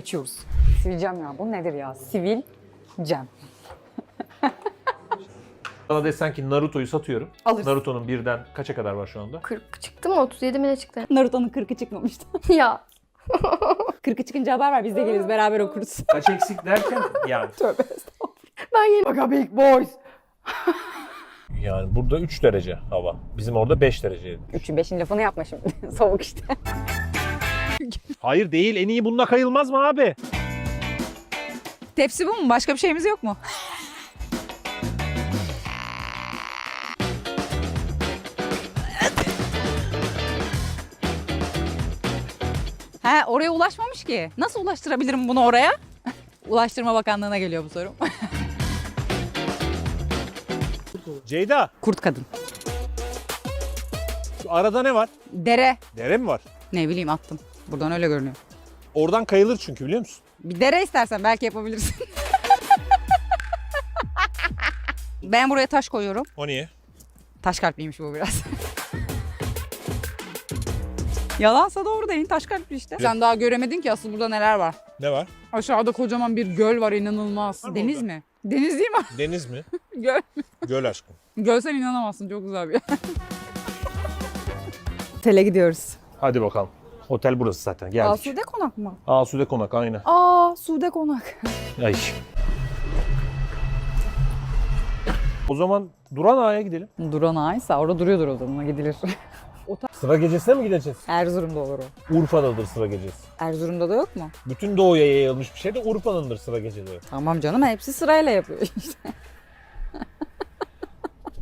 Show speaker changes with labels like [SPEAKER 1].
[SPEAKER 1] geçiyoruz. Sivilcem ya. Bu nedir ya? Sivilcem.
[SPEAKER 2] Bana desen ki Naruto'yu satıyorum.
[SPEAKER 1] Alırsın.
[SPEAKER 2] Naruto'nun birden kaça kadar var şu anda?
[SPEAKER 3] 40 çıktı mı? 37 mi ne çıktı?
[SPEAKER 1] Naruto'nun 40'ı çıkmamıştı.
[SPEAKER 3] Ya.
[SPEAKER 1] 40'ı çıkınca haber ver, biz de geliriz, beraber okuruz.
[SPEAKER 2] Kaç eksik derken yani.
[SPEAKER 1] Tövbe.
[SPEAKER 3] Ben yeni...
[SPEAKER 1] Baka big boys.
[SPEAKER 2] Yani burada 3 derece hava. Bizim orada 5 dereceydi.
[SPEAKER 1] 3'ün 5'in lafını yapma şimdi. Soğuk işte.
[SPEAKER 2] Hayır değil, en iyi bununla kayılmaz mı abi?
[SPEAKER 1] Tepsi bu mu? Başka bir şeyimiz yok mu? He, oraya ulaşmamış ki. Nasıl ulaştırabilirim bunu oraya? Ulaştırma Bakanlığı'na geliyor bu sorum.
[SPEAKER 2] Ceyda,
[SPEAKER 1] Kurt kadın.
[SPEAKER 2] şu arada ne var?
[SPEAKER 1] Dere.
[SPEAKER 2] Dere mi var?
[SPEAKER 1] Ne bileyim, attım. Buradan öyle görünüyor.
[SPEAKER 2] Oradan kayılır çünkü, biliyor musun?
[SPEAKER 1] Bir dere istersen belki yapabilirsin. Ben buraya taş koyuyorum.
[SPEAKER 2] O niye?
[SPEAKER 1] Taş kalpliymiş bu biraz. Yalansa doğru değil. Taş kalpli işte. Sen daha göremedin ki asıl burada neler var.
[SPEAKER 2] Ne var?
[SPEAKER 1] Aşağıda kocaman bir göl var, inanılmaz.
[SPEAKER 2] Var mı
[SPEAKER 1] Deniz
[SPEAKER 2] orada?
[SPEAKER 1] mi? Deniz değil mi?
[SPEAKER 2] Deniz mi?
[SPEAKER 1] Göl.
[SPEAKER 2] Göl aşkım.
[SPEAKER 1] Görsen inanamazsın. Çok güzel bir yer. Otele gidiyoruz.
[SPEAKER 2] Hadi bakalım. Otel burası zaten, geldik.
[SPEAKER 1] Asude Konak mı?
[SPEAKER 2] Asude Konak, aynı.
[SPEAKER 1] Sude Konak.
[SPEAKER 2] Ay. O zaman Duran Ağa'ya gidelim.
[SPEAKER 1] Duran Aysa orada duruyordur o zaman, gidilir.
[SPEAKER 2] Sıra gecesine mi gideceğiz?
[SPEAKER 1] Erzurum'da olur o.
[SPEAKER 2] Urfa'dadır sıra gecesi.
[SPEAKER 1] Erzurum'da da yok mu?
[SPEAKER 2] Bütün doğuya yayılmış bir şey de Urfa'nındır sıra geceleri.
[SPEAKER 1] Tamam canım, hepsi sırayla yapıyor işte.